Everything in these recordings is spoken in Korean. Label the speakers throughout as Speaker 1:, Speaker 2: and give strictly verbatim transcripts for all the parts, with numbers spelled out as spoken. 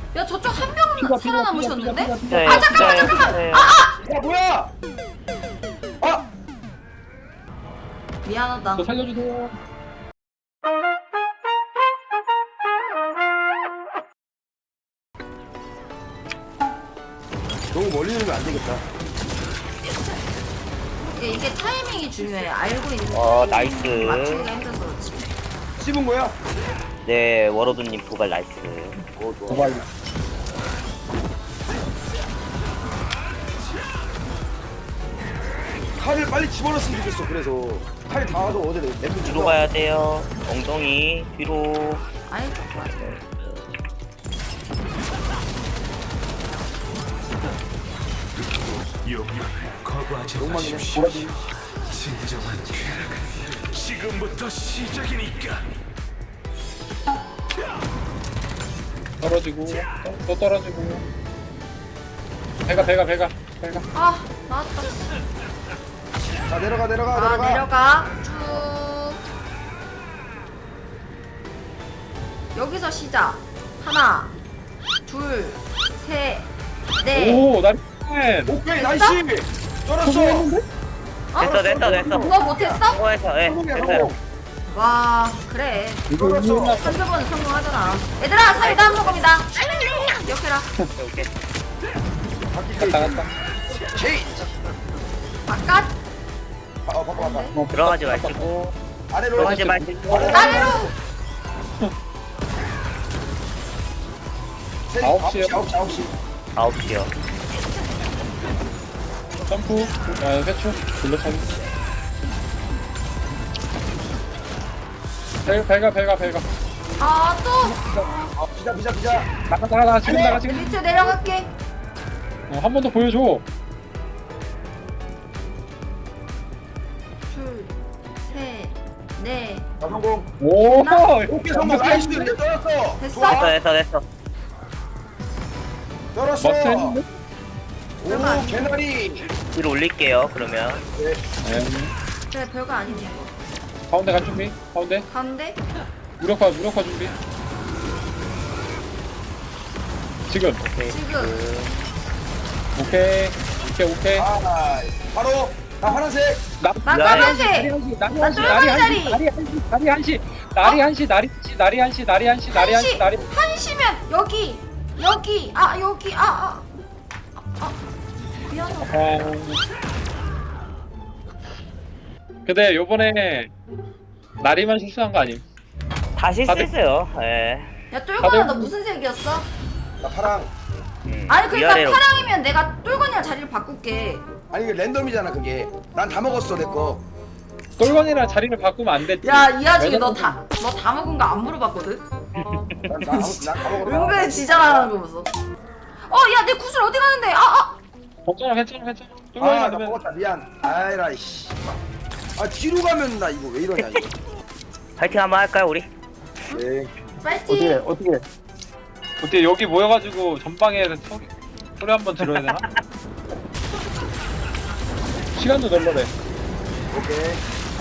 Speaker 1: 야 저쪽 한 명 살아남으셨는데?
Speaker 2: 네,
Speaker 1: 아 잠깐만
Speaker 2: 네,
Speaker 1: 잠깐만.
Speaker 2: 네.
Speaker 1: 아 아!
Speaker 3: 야 뭐야? 아!
Speaker 1: 미안하다.
Speaker 4: 저 살려주세요.
Speaker 3: 너무 멀리 누르면 안 되겠다.
Speaker 1: 이게, 이게 타이밍이 중요해. 알고 있는.
Speaker 2: 어, 나이스.
Speaker 1: 맞추기가 힘들어서 그렇지.
Speaker 3: 씹은 거야?
Speaker 2: 네, 워로드님 도발 나이스.
Speaker 3: 오 좋아.
Speaker 4: 도발.
Speaker 3: 칼을 빨리 집어넣었으면 좋겠어. 그래서 칼 닿아서 어제 랩을
Speaker 2: 뒤로 가야 돼요. 엉덩이 뒤로.
Speaker 1: 아이 좋아.
Speaker 5: 용병을 거부하지
Speaker 3: 욕망이네.
Speaker 5: 마십시오.
Speaker 3: 뭐라지?
Speaker 5: 진정한 쾌락은 지금부터 시작이니까.
Speaker 4: 떨어지고 또, 또 떨어지고. 배가 배가 배가 배가.
Speaker 1: 아 나왔다.
Speaker 3: 자 내려가 내려가
Speaker 1: 아
Speaker 3: 내려가.
Speaker 1: 내려가 쭉. 여기서 시작. 하나, 둘, 셋, 넷.
Speaker 4: 오 나리.
Speaker 3: 오케이 나이스. 쩔었어.
Speaker 1: 어?
Speaker 2: 됐어, 됐어, 됐어.
Speaker 1: 그거 못했어?
Speaker 2: 성공해서, 예,
Speaker 3: 성공이야
Speaker 2: 됐어요.
Speaker 3: 성공.
Speaker 1: 와 그래.
Speaker 3: 쩔었어.
Speaker 1: 한두 번은 성공하잖아. 얘들아 사이다 한 모금이다. 기억해라.
Speaker 2: 오케이, 오케이.
Speaker 3: 바퀴
Speaker 4: 갔다 갔다.
Speaker 3: 제이.
Speaker 1: 바깥
Speaker 3: 아 바꿔 바꿔.
Speaker 2: 들어가지 마시고.
Speaker 3: 아래로.
Speaker 2: 들어가지 마시고.
Speaker 1: 아래로.
Speaker 3: 셋,
Speaker 4: 아홉
Speaker 3: 아홉
Speaker 4: 시요.
Speaker 3: 시 아홉 시 아홉 시.
Speaker 2: 아홉 시요.
Speaker 4: 점프. 아 회초. 둘러차기. 배 배가 배가 배가.
Speaker 1: 아 또.
Speaker 3: 아 비자 비자 비자.
Speaker 4: 나가 나가 나가 지금 나가 지금.
Speaker 1: 밑으로 내려갈게.
Speaker 4: 어, 한 번 더 보여줘.
Speaker 1: 둘, 셋, 넷.
Speaker 3: 자 성공.
Speaker 4: 오.
Speaker 3: 오케이 성공. 나이스. 이제 쩔었어.
Speaker 1: 됐어?
Speaker 2: 됐어, 됐어, 됐어.
Speaker 3: 쩔었어.
Speaker 4: 막스 했는데?
Speaker 3: 오 개나리.
Speaker 2: 뒤로 올릴게요, 그러면.
Speaker 3: 네.
Speaker 4: 네.
Speaker 1: 그래 별거 아니네.
Speaker 4: 가운데 간 준비. 가운데.
Speaker 1: 가운데.
Speaker 4: 무력화 무력화 준비. 지금.
Speaker 2: 오케이.
Speaker 1: 지금.
Speaker 4: 오케이. 오케이 오케이.
Speaker 3: 아 바로 나 파란색.
Speaker 4: 나
Speaker 1: 나
Speaker 2: 나
Speaker 1: 까만색.
Speaker 4: 나리
Speaker 1: 나
Speaker 4: 한시
Speaker 1: 똘망
Speaker 4: 나리
Speaker 1: 자리.
Speaker 4: 한시 나리 한시 나리 한시 나리 한시 나리 한시 나리 한시 나리 한시 나리 한시 나리
Speaker 1: 한시 한시면 여기 여기 아 여기 아 아. 아, 아. 미안하다.
Speaker 4: 어... 근데 요번에 나리만 실수한 거 아님?
Speaker 2: 다 실수했어요. 예.
Speaker 1: 야 똘건아 너 무슨 색이었어?
Speaker 3: 나 파랑.
Speaker 2: 음,
Speaker 1: 아니 그러니까
Speaker 2: 위아래로.
Speaker 1: 파랑이면 내가 똘건이랑 자리를 바꿀게.
Speaker 3: 아니 이게 랜덤이잖아 그게. 난 다 먹었어 내 거.
Speaker 4: 똘건이랑 자리를 바꾸면 안 됐지.
Speaker 1: 야 이 아저씨 너 다 너 다 먹은 거 안 물어봤거든?
Speaker 3: 난다 먹었어.
Speaker 1: 은근 지랄하는 거 보소. 어야 내 구슬 어디 가는데? 아 아.
Speaker 4: 괜찮아 괜찮아 괜찮아. 똘건이
Speaker 3: 아나
Speaker 4: 맞으면
Speaker 3: 먹었다 미안. 아이라 이씨. 아 뒤로 가면 나 이거 왜 이러냐 이거.
Speaker 2: 파이팅 한번 할까요, 우리?
Speaker 3: 네.
Speaker 1: 파이팅.
Speaker 4: 어떻게 어떻게 여기 모여가지고 전방에 소리, 소리 한번 들어야 되나? 시간도 널널해.
Speaker 3: 오케이.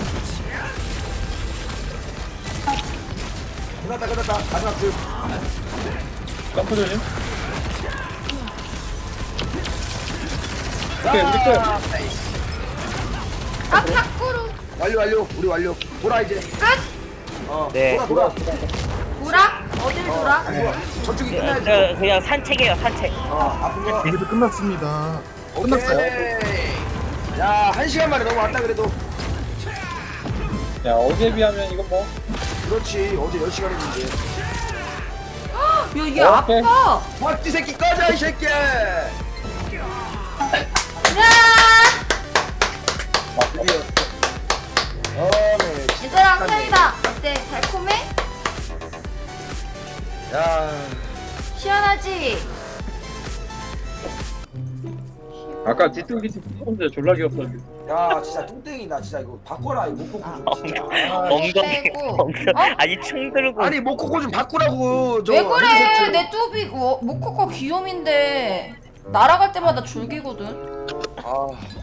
Speaker 3: 끝났다 끝났다. 마지막 줄.
Speaker 4: 점프 조심. 오케이 우리 끝.
Speaker 3: 아,
Speaker 1: 아 밖으로.
Speaker 3: 완료 완료. 우리 완료. 돌아 이제.
Speaker 1: 끝.
Speaker 3: 어.
Speaker 2: 네.
Speaker 3: 돌아 돌아.
Speaker 1: 돌아? 어딜 돌아?
Speaker 3: 아이고, 저쪽이
Speaker 2: 예,
Speaker 3: 끝나야지.
Speaker 2: 저 그냥 산책이에요, 산책.
Speaker 3: 어 아픈 거.
Speaker 6: 이것도 끝났습니다.
Speaker 3: 끝났어요. 야, 한 시간 만에 넘어왔다 그래도.
Speaker 4: 야 어제에 비하면 이건 뭐
Speaker 3: 그렇지. 어제 열 시간 했는데.
Speaker 1: 야얘
Speaker 4: 오케이.
Speaker 1: 아파.
Speaker 3: 박쥐 새끼 꺼져 이 새끼.
Speaker 1: 야.
Speaker 3: 어, 네.
Speaker 1: 얘들아 사이다 어때? 달콤해?
Speaker 3: 야,
Speaker 1: 시원하지?
Speaker 4: 아까 뒤뚱기 뒤뚱기 졸라 귀엽다.
Speaker 3: 야, 진짜 뚱땡이다. 진짜 이거 바꿔라. 이 목코코 좀 진짜. 아,
Speaker 2: 엉덩이,
Speaker 1: 빼고.
Speaker 2: 엉덩이.
Speaker 1: 어?
Speaker 2: 아니, 총 들고.
Speaker 3: 아니 목코코 좀 바꾸라고. 저
Speaker 1: 왜 그래?
Speaker 3: 헤드셋
Speaker 1: 내 뚜비 어, 모코코 귀요미인데 날아갈 때마다 줄기거든.
Speaker 3: 아,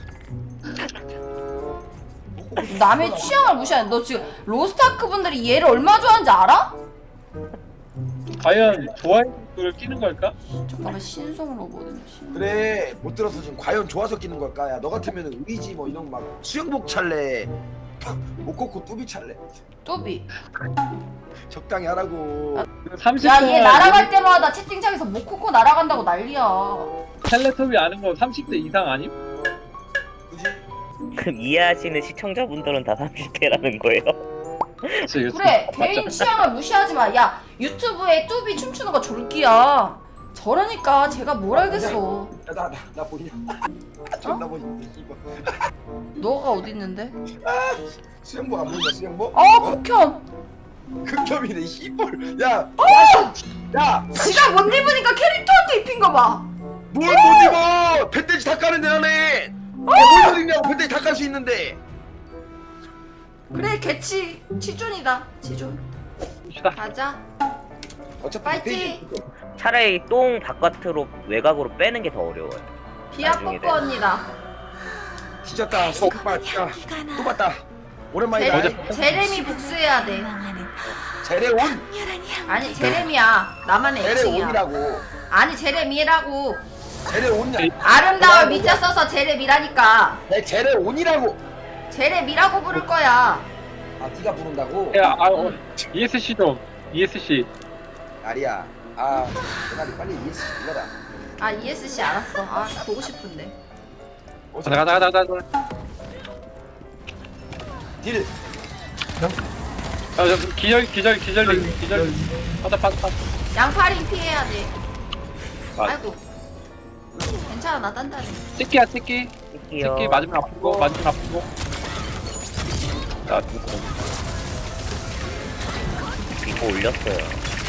Speaker 1: 남의 취향을 무시하는. 너 지금 로스타크 분들이 얘를 얼마 좋아하는지 알아?
Speaker 4: 과연 좋아요를 끼는 걸까?
Speaker 1: 잠깐만 신성으로 보는 신.
Speaker 3: 그래 못 들어서 지금 과연 좋아서 끼는 걸까? 야 너 같으면 의지 뭐 이런 막 수영복 찰래 모코코 뚜비 찰래
Speaker 1: 뚜비.
Speaker 3: 적당히 하라고.
Speaker 4: 삼십
Speaker 1: 야
Speaker 4: 동안
Speaker 1: 얘 날아갈 때마다 채팅창에서 모코코 날아간다고 난리야.
Speaker 4: 텔레토비 아는 거 삼십 대 이상 아님?
Speaker 3: 그지?
Speaker 2: 그럼 이해하시는 시청자분들은 다 삼십 대라는 거예요?
Speaker 4: 그치, 그치.
Speaker 1: 그래 개인
Speaker 4: 맞죠?
Speaker 1: 취향을 무시하지 마. 야 유튜브에 뚜비 춤추는 거 졸기야. 저러니까 제가 뭘 알겠어.
Speaker 3: 야나나 나, 나 보이냐? 아, 존나 보이는데 이거.
Speaker 1: 너가 어디 있는데?
Speaker 3: 수영복 안 보인다 수영복?
Speaker 1: 어 국현.
Speaker 3: 극혐이네 씨볼. 야.
Speaker 1: 어!
Speaker 3: 야.
Speaker 1: 지가 못 입으니까 캐릭터한테 입힌 거 봐.
Speaker 3: 뭘 못 입어? 뱃돼지 다 까는데 나네. 뭘 입냐고 뱃돼지 다 깔 수 있는데.
Speaker 1: 그래 개치 치존이다 치존.
Speaker 4: 봅시다.
Speaker 1: 가자.
Speaker 3: 어차피
Speaker 1: 파이팅!
Speaker 3: 뱃돼지
Speaker 2: 차라리 똥 바깥으로 외곽으로 빼는 게 더 어려워요.
Speaker 1: 비아
Speaker 2: 나중에
Speaker 1: 뽀뽀 언니다.
Speaker 3: 뒤졌다. 또 봤다. 또 봤다. 오랜만이다.
Speaker 1: 제레, 제레미 복수해야 돼.
Speaker 3: 제레온.
Speaker 1: 아니 제레미야. 나만의 애칭이야.
Speaker 3: 제레온이라고.
Speaker 1: 아니 제레미라고.
Speaker 3: 제레온이야.
Speaker 1: 아름다워 미자 써서 제레미라니까.
Speaker 3: 내 제레온이라고.
Speaker 1: 제레미라고 부를 거야.
Speaker 3: 아 네가 부른다고?
Speaker 4: 야, 아, 어, 이에스씨 좀. 이에스씨.
Speaker 3: 아리야. 아 내가 빨리 이해했어. 불러라.
Speaker 1: 아 이에스씨 알았어. 아 보고 싶은데.
Speaker 4: 가자, 가자, 가자, 가자.
Speaker 3: 딜.
Speaker 4: 야, 저 기절, 기절, 기절링, 기절. 파자, 파자, 파자.
Speaker 1: 양파링 피해야 돼.
Speaker 4: 아.
Speaker 1: 아이고. 괜찮아 나 단단해.
Speaker 4: 찍기야, 찍기.
Speaker 2: 찍기요.
Speaker 4: 찍기 맞으면 아프고, 맞으면 아프고. 자, 누구?
Speaker 2: 이거 올렸어요.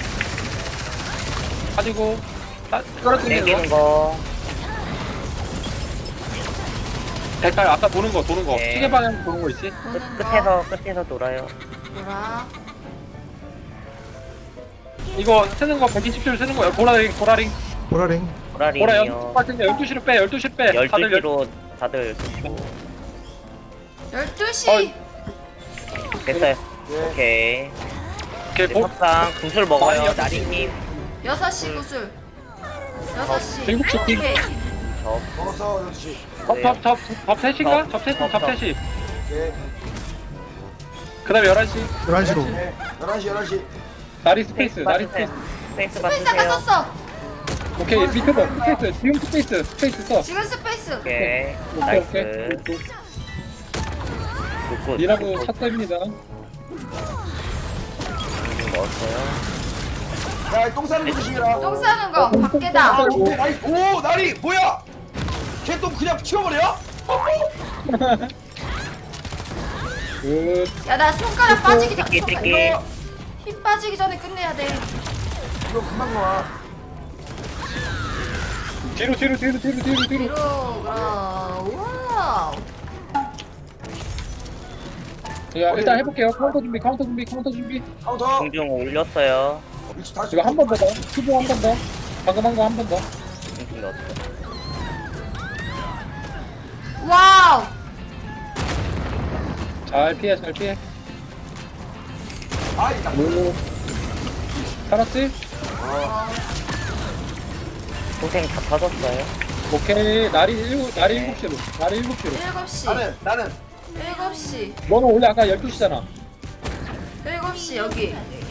Speaker 4: 가지고, 딱, 끌어당기는
Speaker 2: 땡기는
Speaker 4: 거.
Speaker 2: 거.
Speaker 4: 대깔, 아까 도는 거, 도는 거.
Speaker 2: 네.
Speaker 4: 시계 방향 도는 거 있지?
Speaker 2: 끝,
Speaker 1: 보는 거.
Speaker 2: 끝에서 끝에서 돌아요.
Speaker 1: 보라.
Speaker 4: 이거 쓰는 거 백이십 줄 쓰는 거야. 보라링, 보라링.
Speaker 6: 보라링
Speaker 4: 보라
Speaker 2: 보라링이요.
Speaker 4: 연습 같은데 열두 시로 빼, 열두 시로 빼. 다들
Speaker 2: 열두 시로 다들
Speaker 1: 열두 시.
Speaker 4: 어이.
Speaker 2: 됐어요.
Speaker 3: 예.
Speaker 2: 오케이.
Speaker 4: 이렇게 보,
Speaker 2: 석상 구슬 먹어요.
Speaker 4: 많이
Speaker 2: 나리님.
Speaker 1: 여섯 시 구슬. 여섯 시.
Speaker 4: 일곱 시
Speaker 1: 오케이.
Speaker 2: 저
Speaker 3: 먹었어 역시.
Speaker 4: 접, 접, 접, 접 셋인가?
Speaker 2: 접,
Speaker 4: 접 셋,
Speaker 2: 접,
Speaker 4: 접
Speaker 2: 접.
Speaker 4: 셋이.
Speaker 3: 예.
Speaker 4: 그 다음에 열한 시.
Speaker 6: 열한 시로
Speaker 3: 예. 열한 시 열한 시.
Speaker 4: 나리 스페이스, 나리 스페이스.
Speaker 2: 스페이스
Speaker 1: 스페이스 아까
Speaker 2: 받으세요.
Speaker 1: 썼어.
Speaker 4: 오케이, 밑에 봐. 스페이스, 지금 스페이스, 스페이스 써.
Speaker 1: 지금 스페이스.
Speaker 2: 오케이.
Speaker 4: 오케이,
Speaker 2: 나이스.
Speaker 4: 오케이.
Speaker 2: 굿굿.
Speaker 4: 니라고 샷답입니다.
Speaker 2: 넣었어요.
Speaker 3: 야똥 싸는 거 조심해라.
Speaker 1: 똥 싸는 거 밖에다.
Speaker 3: 오, 나이, 오 나리 뭐야? 걔 똥 그냥 치워버려?
Speaker 4: 굿.
Speaker 1: 야 나 손가락 빠지기 전.
Speaker 2: 띠끼,
Speaker 1: 손가락-
Speaker 2: 띠끼.
Speaker 1: 이거 힘 빠지기 전에 끝내야 돼.
Speaker 3: 이거 금방 나와.
Speaker 4: 뒤로, 뒤로, 뒤로, 뒤로, 뒤로, 뒤로.
Speaker 1: 뒤로 가. 와우.
Speaker 4: 야, 일단 해볼게요. 카운터 준비, 카운터 준비, 카운터 준비.
Speaker 3: 카운터.
Speaker 2: 공중 올렸어요.
Speaker 3: 위치 다시.
Speaker 4: 이거 한 번 더 더. 투보 한 번 더. 방금 한 거 한 번 더.
Speaker 2: 공중 넣었어요.
Speaker 1: 와우.
Speaker 4: 잘 피해, 잘 피해.
Speaker 3: 아이 나.
Speaker 4: 오. 살았지?
Speaker 1: 어,
Speaker 2: 고생 다 터졌어요.
Speaker 4: 오케이. 날이 일곱, 날이 일곱 시로. 날이 일곱 시로.
Speaker 1: 일곱 시.
Speaker 3: 나는 나는.
Speaker 1: 일곱 시.
Speaker 4: 너는 원래 아까 열두 시잖아.
Speaker 1: 일곱 시 여기.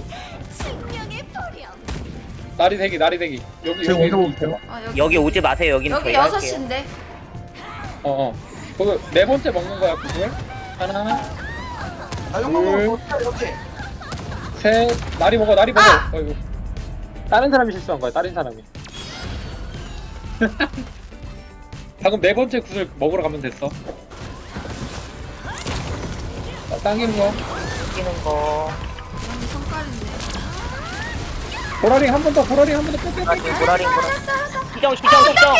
Speaker 4: 날이 대기, 날이 대기. 여기,
Speaker 6: 제가
Speaker 4: 여기,
Speaker 6: 먼저
Speaker 4: 여기.
Speaker 6: 볼게요.
Speaker 1: 어, 여기.
Speaker 2: 여기 오지 마세요. 여기는
Speaker 1: 여기
Speaker 2: 저희
Speaker 1: 여섯
Speaker 2: 할게요.
Speaker 1: 시인데.
Speaker 4: 어, 어. 그거 네 번째 먹는 거야, 그걸. 하나,
Speaker 3: 나 용광
Speaker 4: 둘.
Speaker 3: 먹어. 어떻게?
Speaker 4: 셋. 날이 먹어, 날이 먹어.
Speaker 1: 아!
Speaker 4: 어이구. 다른 사람이 실수한 거야, 다른 사람이. 방금 네 번째 구슬 먹으러 가면 됐어. 자, 당기는 거.
Speaker 2: 끼는 거.
Speaker 1: 여기 손가락인데.
Speaker 4: 보라링 한 번 더, 보라링 한 번 더. 빼, 빼, 빼.
Speaker 2: 보라링 보라링 보라링. 시정 시정 시정.
Speaker 1: 어떡해!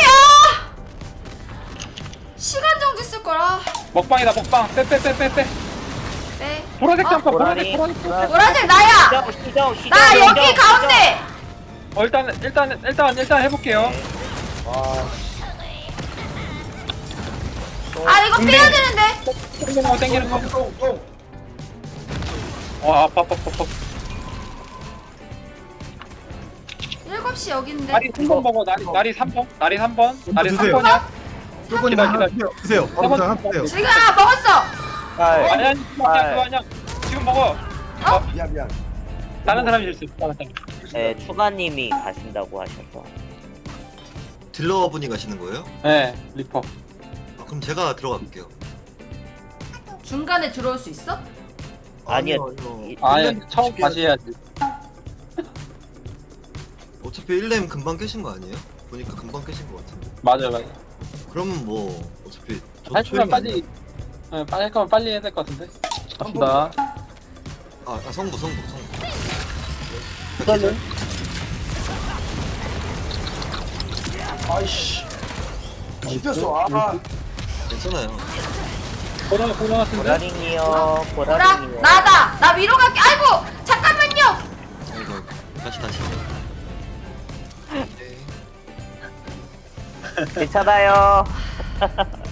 Speaker 1: 시간 정지 쓸 거라.
Speaker 4: 먹방이다, 먹방. 빼, 빼, 빼, 빼, 빼.
Speaker 1: 네.
Speaker 4: 보라색
Speaker 1: 어?
Speaker 4: 잠깐,
Speaker 2: 보라링.
Speaker 4: 보라색, 보라색.
Speaker 1: 보라색 나야.
Speaker 2: 시정 시정 시정.
Speaker 1: 나
Speaker 2: 시정,
Speaker 1: 여기
Speaker 2: 시정.
Speaker 1: 가운데.
Speaker 4: 어, 일단, 일단, 일단, 일단 해볼게요.
Speaker 2: 와.
Speaker 1: 아 이거 빼야 되는데.
Speaker 4: 땡기는 거, 땡기는 거.
Speaker 3: 똥 똥.
Speaker 4: 와, 아파, 아파, 아파.
Speaker 1: 씨 여기 있는데.
Speaker 4: 나리 삼 번 먹어. 나리 나리 삼 번. 나리 삼 번. 나리 삼
Speaker 6: 드세요.
Speaker 4: 번이야.
Speaker 6: 조건이
Speaker 4: 기다려,
Speaker 6: 하나
Speaker 4: 기다려.
Speaker 6: 드세요. 드세요. 바로 그냥
Speaker 4: 한번
Speaker 6: 하세요.
Speaker 1: 지금 아, 먹었어.
Speaker 2: 아,
Speaker 4: 아니 아니 그거 아니야 그거 아니야. 지금 먹어.
Speaker 3: 미안 미안.
Speaker 4: 다른 사람이 실수. 다른 사람.
Speaker 2: 네, 추가님이 가신다고 하셔서.
Speaker 7: 딜러분이 가시는 거예요?
Speaker 4: 네 리퍼.
Speaker 7: 아, 그럼 제가 들어갈게요.
Speaker 1: 중간에 들어올 수 있어?
Speaker 2: 아니요.
Speaker 7: 아니요.
Speaker 4: 아예 처음 다시 해야지.
Speaker 7: 어차피 일 렘 금방 깨신 거 아니에요? 보니까 금방 깨신 거 같은데.
Speaker 4: 맞아 맞아.
Speaker 7: 그러면 뭐 어차피 저
Speaker 4: 할 거면
Speaker 7: 초임이
Speaker 4: 빨리. 네, 빨리 할 거면 빨리 해야 될 것 같은데. 갑시다.
Speaker 7: 아니라- 아, 아 성부 성부 성부.
Speaker 4: 그러네.
Speaker 3: 아이씨. 씹혔어. 아.
Speaker 7: 괜찮아요.
Speaker 4: 보라 보라 같은데.
Speaker 2: 보라링이요.
Speaker 1: 보라
Speaker 2: 보라링이요.
Speaker 1: 나다. 나 위로 갈게. 아이고 잠깐만요.
Speaker 7: 아이고 아이고. 다시 다시. 오케이.
Speaker 2: 괜찮아요.